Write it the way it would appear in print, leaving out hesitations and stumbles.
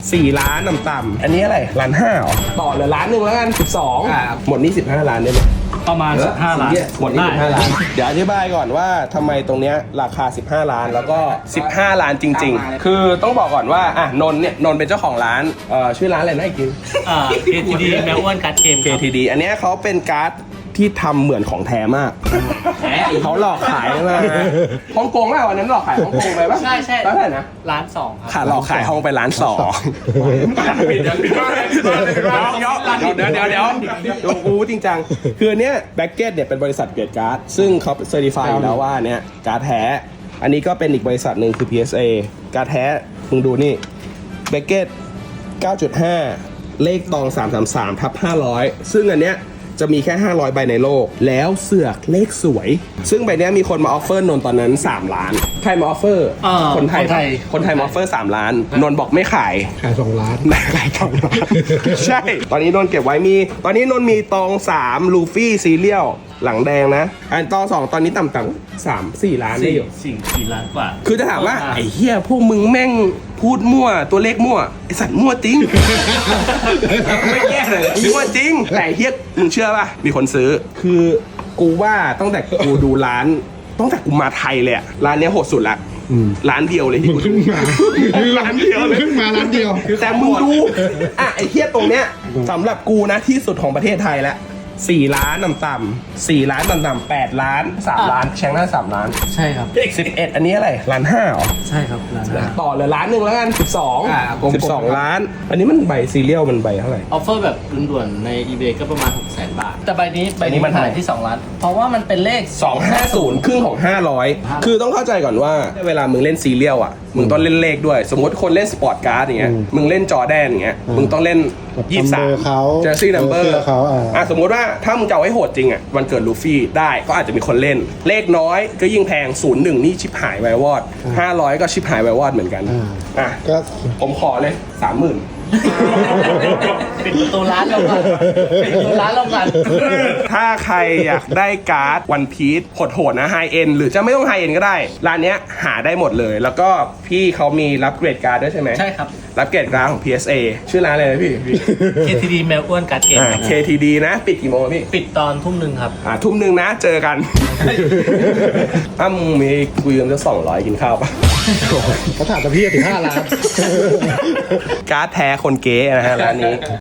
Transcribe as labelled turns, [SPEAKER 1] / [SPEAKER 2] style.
[SPEAKER 1] 4 ล้านต่ำๆอันนี้อะไร1.5 ล้านหรอต่อเหลือ1.1 ล้านแล้วกัน12หมดนี่15 ล้านได้ไหม
[SPEAKER 2] ประมาณ15 ล้าน
[SPEAKER 1] หมดนี่15 ล้านเดี๋ยวอธิบายก่อนว่าทำไมตรงเนี้ยราคา15 ล้านแล้วก็15 ล้านจริงๆคือต้องบอกก่อนว่านนท์เนี่ยนนท์เป็นเจ้าของร้านชื่อร้านอะไรนะอีกที
[SPEAKER 2] KTD แมวอ้วนการ์ดเกม
[SPEAKER 1] KTD อันเนี้ยเขาเป็นการ์ดที่ทำเหมือนของแท้มากเขาหลอกขายมาฮ่องกงป่ะวันนั้นหลอกขายฮ่องกงไปป่ะ
[SPEAKER 2] ใช่
[SPEAKER 1] แล้วเท่าไหร่นะ
[SPEAKER 2] 1.2 ล้านครับ
[SPEAKER 1] ขาหลอกขายห้องไป1.2 ล้านเดี๋ยวดูกูจริงจังคืออันเนี้ยแบ็กเก็ตเนี่ยเป็นบริษัทเกรดการ์ดซึ่งเขาเซอร์ติฟายแล้วว่าเนี้ยการ์ดแท้อันนี้ก็เป็นอีกบริษัทหนึ่งคือ PSA การ์ดแท้มึงดูนี่แบ็กเก็ต 9.5 เลขตอง 333/500ซึ่งอันเนี้ยจะมีแค่500 ใบในโลกแล้วเสือกเลขสวยซึ่งใบนี้มีคนมาออฟเฟอร์นนตอนนั้น3 ล้านใครมาออฟเฟอร์คนไทยมาออฟเฟอร์3 ล้านนนบอกไม่ขาย
[SPEAKER 3] 2 ล้าน
[SPEAKER 1] ขาย2 ล้านใช่ตอนนี้นนเก็บไว้ตอนนี้นนมีตอง3ลูฟี่ซีเรียลหลังแดงนะอันตอง2ตอนนี้ต่ำๆ3-4 ล้านได้อยู่
[SPEAKER 2] 4 ล้านกว่า
[SPEAKER 1] คือจะถามว่าไอ้เหี้ยพวกมึงแม่งพูดมั่วตัวเลขมั่วไอสัตว์มั่วจริงไม่แก้เลยมั่วจริงแต่เฮียมึงเชื่อป่ะมีคนซื้อคือกูว่าตั้งแต่กูดูร้านตั้งแต่กูมาไทยเลยร้านเนี้ยโหดสุดละร้านเดียวเลยที่
[SPEAKER 3] ขึ้นมา
[SPEAKER 1] ร้านเดียวเลย
[SPEAKER 3] ขึ้นมาร้านเดียว
[SPEAKER 1] แต่มึงดูไอ้เฮียตรงเนี้ยสำหรับกูนะที่สุดของประเทศไทยแล้ว4 ล้านต่ำๆ4 ล้านต่ำๆ8 ล้าน3 ล้านแชงหน้า3 ล้าน
[SPEAKER 2] ใช่ครับ
[SPEAKER 1] 11อันนี้อะไร1.5 ล้านหรอ
[SPEAKER 2] ใช่ครับ
[SPEAKER 1] ต่อเหลือ1.1 ล้านแล้วกัน12 ล้านอันนี้มันใบซีเรียลมันใบเท่าไหร่
[SPEAKER 2] ออฟเฟอร์แบบด่วนๆใน eBay ก็ประมาณ 600,000 บาทแต่ใบนี้มันขายที่2 ล้านเพราะว่ามันเป็นเลข
[SPEAKER 1] 250ครึ่งของ500คือต้องเข้าใจก่อนว่าเวลามึงเล่นซีเรียลอ่ะมึงต้องเล่นเลขด้วยสมมติคนเล่นสปอร์ตการ์ดอย่างเงี้ยมึงเล่นจอแดนอย่างเงี้ยมึงต้องเล่น23เจอซี่นัมเบอร์สมมติว่าถ้ามึงจะเอาให้โหดจริงอ่ะวันเกิดลูฟี่ได้ก็อาจจะมีคนเล่นเลขน้อยก็ยิ่งแพง01นี่ชิบหายไววอด500ก็ชิบหายไววอดเหมือนกันก็ผมขอเลย 30,000
[SPEAKER 2] ปิดประตูร้านลงก่อน
[SPEAKER 1] ถ้าใครอยากได้การ์ดวันพีซโหดๆนะไฮเอ็นหรือจะไม่ต้องไฮเอ็นก็ได้ร้านเนี้ยหาได้หมดเลยแล้วก็พี่เขามีรับเกรดการ์ดด้วยใช่ไหม
[SPEAKER 2] ใช่ครับ
[SPEAKER 1] รับเกรดการ์ดของ PSA ชื่อร้านอะไรนะพี่
[SPEAKER 2] KTD แมวอ้วนการ์ดเกม
[SPEAKER 1] KTD นะปิดกี่โมงพี่
[SPEAKER 2] ปิดตอน 19:00 ครับ
[SPEAKER 1] 19:00นะเจอกันถ้ามึงมีคุยกันจะ200กินข้าวปะ
[SPEAKER 3] เขาถามแต่พี่ถึง5 ล้าน
[SPEAKER 1] การ์ดแท้คนเก๋นะฮะร้านนี้